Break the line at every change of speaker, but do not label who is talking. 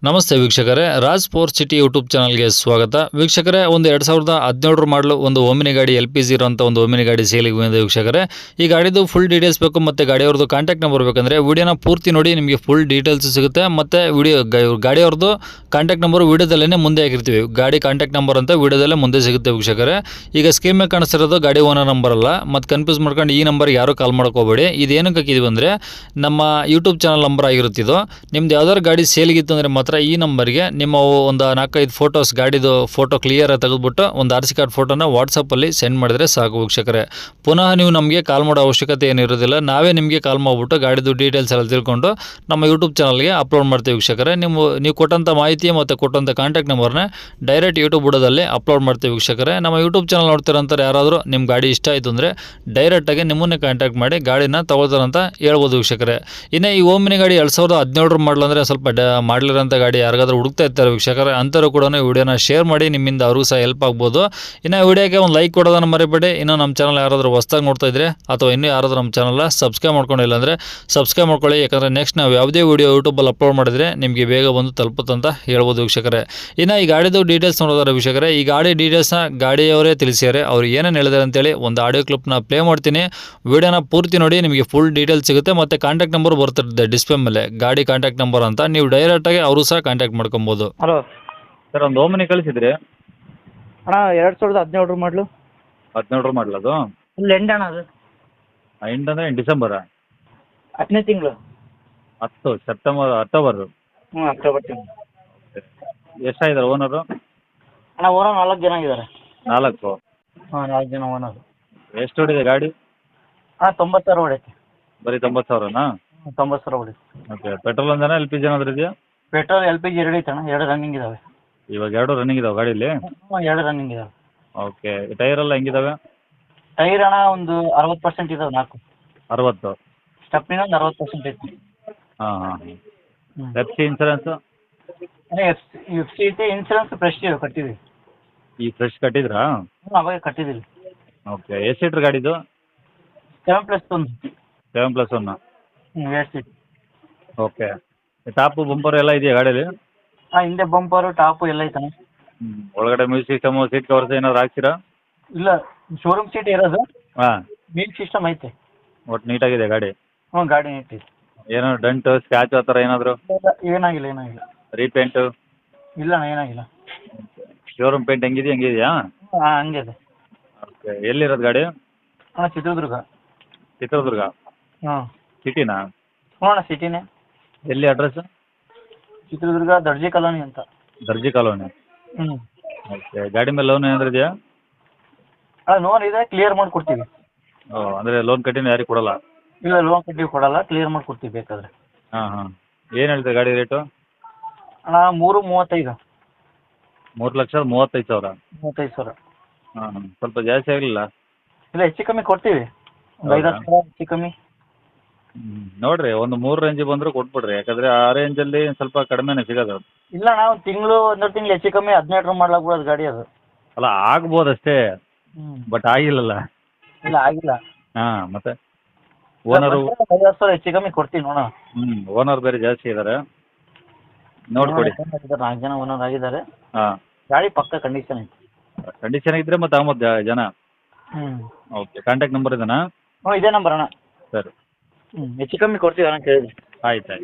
ನಮಸ್ತೆ ವೀಕ್ಷಕರೇ, Raj sports city YouTube ಚಾನಲ್ಗೆ ಸ್ವಾಗತ. ವೀಕ್ಷಕರೇ, ಒಂದು 2017 ಮಾಡಲು ಒಂದು ಓಮಿನಿ ಗಾಡಿ LPG ಇರುವಂಥ ಒಂದು ಓಮಿನಿ ಗಾಡಿ ಸೇಲಿಗೆ ಬಂದಿದೆ ವೀಕ್ಷಕರೇ. ಈ ಗಾಡಿದು ಫುಲ್ ಡೀಟೇಲ್ಸ್ ಬೇಕು ಮತ್ತು ಗಾಡಿಯವ್ರದ್ದು ಕಾಂಟ್ಯಾಕ್ಟ್ ನಂಬರ್ ಬೇಕಂದರೆ ವಿಡಿಯೋನ ಪೂರ್ತಿ ನೋಡಿ, ನಿಮಗೆ ಫುಲ್ ಡೀಟೇಲ್ಸ್ ಸಿಗುತ್ತೆ. ಮತ್ತು ಗಾಡಿಯವ್ರದ್ದು ಕಾಂಟ್ಯಾಕ್ಟ್ ನಂಬರ್ ವಿಡಿಯೋದಲ್ಲೇ ಮುಂದೆ ಹಾಕಿರ್ತೀವಿ. ಗಾಡಿ ಕಾಂಟ್ಯಾಕ್ಟ್ ನಂಬರ್ ಅಂತ ವಿಡಿಯೋದಲ್ಲೇ ಮುಂದೆ ಸಿಗುತ್ತೆ ವೀಕ್ಷಕರೇ. ಈಗ ಸ್ಕ್ರೀನ್ ಮೇಲೆ ಕಾಣಿಸ್ತಿರೋದು ಗಾಡಿ ಓನರ್ ನಂಬರ್ ಅಲ್ಲ, ಮತ್ತು ಕನ್ಫ್ಯೂಸ್ ಮಾಡ್ಕೊಂಡು ಈ ನಂಬರ್ಗೆ ಯಾರು ಕಾಲ್ ಮಾಡ್ಕೋಬೇಡಿ. ಇದೇನಕ್ಕೆ ಹಾಕಿದ್ವಿ ಅಂದರೆ ನಮ್ಮ ಯೂಟ್ಯೂಬ್ ಚಾನಲ್ ನಂಬರ್ ಆಗಿರುತ್ತಿದ್ದು. ನಿಮ್ದು ಯಾವ್ದಾದ್ರು ಗಾಡಿ ಸೇಲಿಗಿತ್ತು ಅಂದರೆ ಮಾತ್ರ ಈ ನಂಬರ್ಗೆ ನಿಮ್ಮ ಒಂದು 4-5 ಫೋಟೋಸ್, ಗಾಡಿದು ಫೋಟೋ ಕ್ಲಿಯರ್ ತೆಗೆದುಬಿಟ್ಟು ಒಂದು RC ಕಾರ್ಡ್ ಫೋಟೋನ ವಾಟ್ಸಪ್ಪಲ್ಲಿ ಸೆಂಡ್ ಮಾಡಿದ್ರೆ ಸಾಕು ವೀಕ್ಷಕರೇ. ಪುನಃ ನೀವು ನಮಗೆ ಕಾಲ್ ಮಾಡೋ ಅವಶ್ಯಕತೆ ಏನಿರೋದಿಲ್ಲ. ನಾವೇ ನಿಮಗೆ ಕಾಲ್ ಮಾಡಿಬಿಟ್ಟು ಗಾಡಿದು ಡೀಟೇಲ್ಸ್ ಎಲ್ಲ ತಿಳ್ಕೊಂಡು ನಮ್ಮ ಯೂಟ್ಯೂಬ್ ಚಾನಲ್ಗೆ ಅಪ್ಲೋಡ್ ಮಾಡ್ತೀವಿ ವೀಕ್ಷಕರೇ. ನೀವು ಕೊಟ್ಟಂಥ ಮಾಹಿತಿ ಮತ್ತು ಕೊಟ್ಟಂಥ ಕಾಂಟ್ಯಾಕ್ಟ್ ನಂಬರ್ನ ಡೈರೆಕ್ಟ್ ಯೂಟ್ಯೂಬ್ ಬುಡದಲ್ಲಿ ಅಪ್ಲೋಡ್ ಮಾಡ್ತೀವಿ ವೀಕ್ಷಕರೇ. ನಮ್ಮ ಯೂಟ್ಯೂಬ್ ಚಾನಲ್ ನೋಡ್ತಿರೋಂಥವ್ರು ಯಾರಾದರೂ ನಿಮ್ಮ ಗಾಡಿ ಇಷ್ಟ ಆಯಿತು ಅಂದರೆ ಡೈರೆಕ್ಟಾಗಿ ನಿಮ್ಮನ್ನೇ ಕಾಂಟ್ಯಾಕ್ಟ್ ಮಾಡಿ ಗಾಡಿನ ತಗೊಳ್ತಾರಂತ ಹೇಳ್ಬೋದು ವೀಕ್ಷಕರೇ. ಇನ್ನು ಈ ಓಮಿನಿ ಗಾಡಿ 2017 ಮಾಡಲ್ ಅಂದರೆ ಸ್ವಲ್ಪ ಮಾಡಲಿರೋಂಥ ಗಾಡಿ ಯಾರಿಗಾದ್ರೂ ಹುಡುಕ್ತಾ ಇರ್ತಾರೆ ವೀಕ್ಷಕರೇ, ಅಂಥವ್ರು ಕೂಡ ವಿಡಿಯೋನ ಶೇರ್ ಮಾಡಿ, ನಿಮ್ಮಿಂದ ಅವ್ರಿಗೂ ಸಹ ಹೆಲ್ಪ್ ಆಗ್ಬೋದು. ಇನ್ನು ವಿಡಿಯೋಗೆ ಒಂದು ಲೈಕ್ ಕೊಡೋದನ್ನು ಮರಿಬೇಡಿ. ಇನ್ನು ನಮ್ಮ ಚಾನಲ್ ಯಾರಾದರೂ ಹೊಸ್ದಾಗಿ ನೋಡ್ತಾ ಇದ್ರೆ ಅಥವಾ ಇನ್ನೂ ಯಾರಾದರೂ ನಮ್ಮ ಚಾನಲ್ನ ಸಬ್ಸ್ಕ್ರೈಬ್ ಮಾಡ್ಕೊಂಡಿಲ್ಲ ಅಂದರೆ ಸಬ್ಸ್ಕ್ರೈಬ್ ಮಾಡ್ಕೊಳ್ಳಿ. ಯಾಕಂದರೆ ನೆಕ್ಸ್ಟ್ ನಾವು ಯಾವುದೇ ವಿಡಿಯೋ ಯೂಟ್ಯೂಬಲ್ಲಿ ಅಪ್ಲೋಡ್ ಮಾಡಿದರೆ ನಿಮಗೆ ಬೇಗ ಬಂದು ತಲುಪುತ್ತಂತ ಹೇಳ್ಬೋದು ವೀಕ್ಷಕರೇ. ಇನ್ನು ಈ ಗಾಡಿದು ಡೀಟೇಲ್ಸ್ ನೋಡೋದಾರೆ ವೀಕ್ಷಕರೇ, ಈ ಗಾಡಿ ಡೀಟೇಲ್ಸ್ನ ಗಾಡಿಯವರೇ ತಿಳಿಸಿದ್ದಾರೆ. ಅವ್ರು ಏನೇನು ಹೇಳಿದ್ದಾರೆ ಅಂತೇಳಿ ಒಂದು ಆಡಿಯೋ ಕ್ಲಿಪ್ನ ಪ್ಲೇ ಮಾಡ್ತೀನಿ. ವಿಡಿಯೋನ ಪೂರ್ತಿ ನೋಡಿ, ನಿಮಗೆ ಫುಲ್ ಡೀಟೇಲ್ಸ್ ಸಿಗುತ್ತೆ. ಮತ್ತು ಕಾಂಟ್ಯಾಕ್ಟ್ ನಂಬರ್ ಬರ್ತಿರುತ್ತೆ ಡಿಸ್ಪ್ಲೇ ಮೇಲೆ, ಗಾಡಿ ಕಾಂಟ್ಯಾಕ್ಟ್ ನಂಬರ್ ಅಂತ. ನೀವು ಡೈರೆಕ್ಟಾಗಿ ಅವರು ಸಹ ಕಾಂಟ್ಯಾಕ್ಟ್ ಮಾಡ್ಕೊಬೋದು.
ಹಲೋ
ಸರ್, ಒಂದು ಓಮಿನಿ ಕಳಿಸಿದ್ರಿ.
ಅಣ್ಣ, 2017 ಮಾಡಲು
17 ಮಾಡಲ್ ಅದು.
ಫುಲ್ ಎಂಡ್ ಅಣ್ಣ. ಅದು
ಎಂಡ್ ಅಂದರೆ ಡಿಸೆಂಬರಾ?
10ನೇ ತಿಂಗಳು.
10 ಸೆಪ್ಟೆಂಬರ್ ಅಕ್ಟೋಬರು.
ಅಕ್ಟೋಬರ್ ತಿಂಗಳು.
ಎಷ್ಟಾಗಿದ್ದಾರೆ ಓನರು?
ಅಣ್ಣ, ಓನರ್ 4 ಜನ ಇದ್ದಾರೆ.
4.
4 ಜನ ಓನರ್.
ಎಷ್ಟು ಹೊಡಿದೆ ಗಾಡಿ?
ಅಣ್ಣ, 90,000 ಹೊಡೈತೆ.
ಬರೀ 90,000ನಾ?
90,000 ಹೊಡೈತೆ.
ಓಕೆ. ಪೆಟ್ರೋಲ್ ಒಂದೇನಾ LPG ಏನಾದರೂ ಇದೆಯಾ?
ಪೆಟ್ರೋಲ್ LPG 2 ಐತೆ ಅಣ್ಣ. 2 ರನ್ನಿಂಗ್ ಇದಾವೆ.
ಇವಾಗ 2 ರನ್ನಿಂಗ್ ಇದಾವೆ ಗಾಡೀಲಿ?
2 ರನ್ನಿಂಗ್ ಇದಾವೆ.
ಓಕೆ. ಟೈರ್ ಎಲ್ಲ ಹೆಂಗಿದಾವೆ?
ಟೈರ್ ಅಣ್ಣ ಒಂದು 60% ಇದಾವೆ. 4
60.
ಸ್ಟೆಪ್ನಿನ ಒಂದು 60% ಐತಿ.
ಹಾಂ ಹಾಂ ಹಾಂ. FC insurance?
ಅಣ್ಣ, FC ಐತಿ. ಇನ್ಸೂರೆನ್ಸ್ ಫ್ರೆಶ್ ಕಟ್ಟಿದ್ದೀವಿ.
ಈ ಫ್ರೆಶ್ ಕಟ್ಟಿದ್ರಾ?
ಅವಾಗ ಕಟ್ಟಿದ್ದೀವಿ.
ಓಕೆ. ಎಷ್ಟು ಸೀಟ್ರ್ ಗಾಡಿದು?
7+1.
7+1.
2 ಸೀಟ್.
ಓಕೆ. ಟಾಪು ಬಂಪರ್ ಎಲ್ಲ ಇದೆಯಾ ಗಾಡೀಲಿ?
ಹಿಂದೆ ಬಂಪರು ಟಾಪು ಎಲ್ಲ ಐತಣ್ಣ.
ಒಳಗಡೆ ಮ್ಯೂಸಿಕ್ ಸಿಸ್ಟಮು, ಸೀಟ್ ಕವರ್ಸ್ ಏನಾದ್ರು ಹಾಕ್ತೀರಾ?
ಇಲ್ಲ, ಶೋರೂಮ್ ಸೀಟ್ ಇರೋದು.
ಹಾಂ.
ಮ್ಯೂಸಿಕ್ ಸಿಸ್ಟಮ್ ಐತೆ.
ಒಟ್ಟು ನೀಟಾಗಿದೆ ಗಾಡಿ?
ಗಾಡಿ ಐತಿ.
ಏನೋ ಡೆಂಟು ಸ್ಕ್ರಾಚ್ ಆ ಥರ ಏನಾದರೂ?
ಏನಾಗಿಲ್ಲ.
ರೀಪೇಂಟು?
ಇಲ್ಲ ಅಣ್ಣ, ಏನಾಗಿಲ್ಲ.
ಶೋರೂಮ್ ಪೇಂಟ್ ಹೆಂಗಿದೆಯಾ?
ಹಂಗಿದೆ.
ಓಕೆ. ಎಲ್ಲಿರೋದು ಗಾಡಿ?
ಅಣ್ಣ, ಚಿತ್ರದುರ್ಗ.
ಚಿತ್ರದುರ್ಗ ಸಿಟಿನಾ?
ಅಣ್ಣ, ಸಿಟಿನೇ.
ಎಲ್ಲಿ ಅಡ್ರೆಸ್?
ಚಿತ್ರದುರ್ಗ ದರ್ಜಿ ಕಾಲೋನಿ ಅಂತ.
ದರ್ಜಿ ಕಾಲೋನಿ. ಓಕೆ. ಗಾಡಿ ಮೇಲೆ ಲೋನ್ ಏನಾದ್ರು ಇದೆಯಾ?
ಲೋನ್ ಇದೆ, ಕ್ಲಿಯರ್ ಮಾಡಿಕೊಡ್ತೀವಿ.
ಓ, ಅಂದರೆ ಲೋನ್ ಕಟ್ಟಿನ ಯಾರಿಗೆ ಕೊಡಲ್ಲ?
ಇಲ್ಲ, ಲೋನ್ ಕಟ್ಟಿ ಕೊಡಲ್ಲ, ಕ್ಲಿಯರ್ ಮಾಡಿಕೊಡ್ತೀವಿ ಬೇಕಾದ್ರೆ.
ಹಾಂ ಹಾಂ. ಏನು ಹೇಳ್ತೀವಿ ಗಾಡಿ ರೇಟು?
ಅಣ್ಣ, 3.35.
3,35,000.
35,000.
ಹಾಂ ಹಾಂ. ಸ್ವಲ್ಪ ಜಾಸ್ತಿ ಆಗಲಿಲ್ಲ?
ಇಲ್ಲ, ಹೆಚ್ಚು ಕಮ್ಮಿ ಕೊಡ್ತೀವಿ. ಒಂದು 5-10 ಸಾವಿರ ಹೆಚ್ಚು ಕಮ್ಮಿ.
ನೋಡಿರಿ, ಒಂದು 3 ರೇಂಜಿಗೆ ಬಂದರೂ ಕೊಟ್ಬಿಡ್ರಿ. ಯಾಕಂದರೆ ಆ ರೇಂಜಲ್ಲಿ ಸ್ವಲ್ಪ ಕಡಿಮೆನೇ ಸಿಗೋದು.
ಇಲ್ಲ ಅಣ್ಣ, ಒಂದು ತಿಂಗಳು 1.5 ತಿಂಗಳು ಹೆಚ್ಚು ಕಮ್ಮಿ 17 ಮಾಡ್ಲಾಗ್ಬಿಡೋದು ಗಾಡಿ ಅದು.
ಅಲ್ಲ, ಆಗ್ಬೋದು ಅಷ್ಟೇ, ಬಟ್ ಆಗಿಲ್ಲಲ್ಲ.
ಇಲ್ಲ, ಆಗಿಲ್ಲ.
ಹಾಂ. ಮತ್ತೆ ಓನರು?
5-10 ಸಾವಿರ ಹೆಚ್ಚು ಕಮ್ಮಿ ಕೊಡ್ತೀವಿ ನೋಡೋಣ.
ಓನರ್ ಬೇರೆ ಜಾಸ್ತಿ ಇದ್ದಾರೆ, ನೋಡ್ಕೊಡಿ.
4 ಜನ ಓನರ್ ಆಗಿದ್ದಾರೆ.
ಹಾಂ.
ಗಾಡಿ ಪಕ್ಕ ಕಂಡೀಷನ್ ಐತಿ.
ಕಂಡೀಷನ್ ಇದ್ದರೆ ಮತ್ತೆ ಆಮದು ಜನ. ಓಕೆ. ಕಾಂಟ್ಯಾಕ್ಟ್ ನಂಬರ್ ಇದೆನಾ?
ಇದೇ ನಂಬರ್ ಅಣ್ಣ.
ಸರಿ.
ಹೆಚ್ಚು ಕಮ್ಮಿ ಕೊಡ್ತೀವಿ ಅಣ್ಣ, ಕೇಳಿದ್ವಿ.
ಆಯ್ತು ಆಯ್ತು.